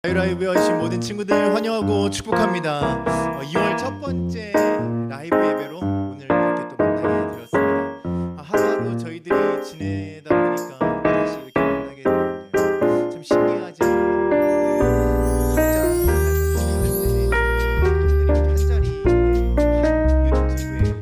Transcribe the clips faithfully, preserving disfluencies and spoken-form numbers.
라이브에 오신 모든 친구들 환영하고 축복합니다. 어, 이월 첫 번째 라이브 예배로 오늘 이렇게 또 만나게 되었습니다. 아, 하루하루 저희들이 지내다 보니까 다시 이렇게 만나게 되는데요. 참 신기하지 않나요? 각자 한 자리에 한 유튜브에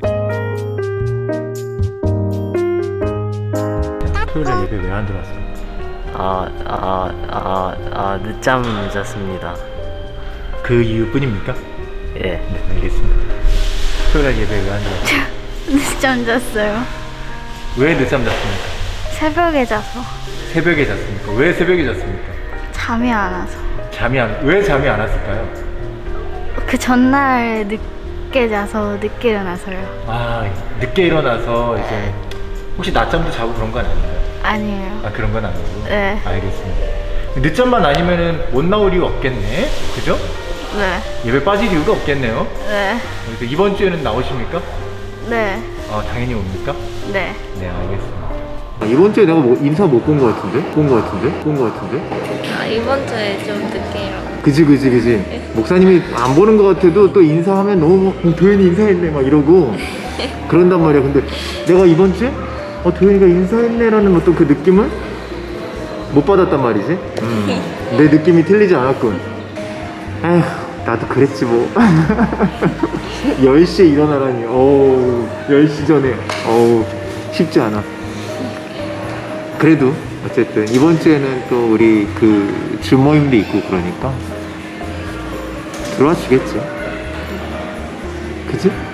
토요일에 예배 왜 안 들어왔어요? 아, 아, 아, 아, 늦잠 잤습니다. 그 이유뿐입니까? 예. 네, 알겠습니다. 토요일에 예배 왜 안 들어왔어요? 늦잠 잤어요. 왜 늦잠 잤습니까? 새벽에 자서. 새벽에 잤습니까? 왜 새벽에 잤습니까? 잠이 안 와서. 잠이 안, 왜 잠이 안 왔을까요? 그 전날 늦게 자서 늦게 일어나서요. 아, 늦게 일어나서 이제 혹시 낮잠도 자고 그런 건 아닌가요? 아니에요. 아, 그런 건 아니고. 네. 알겠습니다. 늦잠만 아니면은 못 나올 이유 없겠네. 그죠? 네. 예배 빠질 이유가 없겠네요. 네. 그래서 이번 주에는 나오십니까? 네. 아, 당연히 옵니까? 네. 네, 알겠습니다. 아, 이번 주에 내가 뭐 인사 못 본 거 같은데? 본 거 같은데? 본 거 같은데? 아, 이번 주에 좀 늦게 일어나. 그지 그지 그지. 목사님이 안 보는 거 같아도 또 인사하면 너무 어, 도현이 인사했네 막 이러고 그런단 말이야. 근데 내가 이번 주에 어 도현이가 인사했네라는 어떤 그 느낌을 못 받았단 말이지. 음. 내 느낌이 틀리지 않았군. 에휴, 나도 그랬지 뭐. 열 시에 일어나라니. 어우, 열 시 전에. 어우, 쉽지 않아. 그래도 어쨌든 이번 주에는 또 우리 그 주모임도 있고 그러니까 들어와 주겠지. 그치?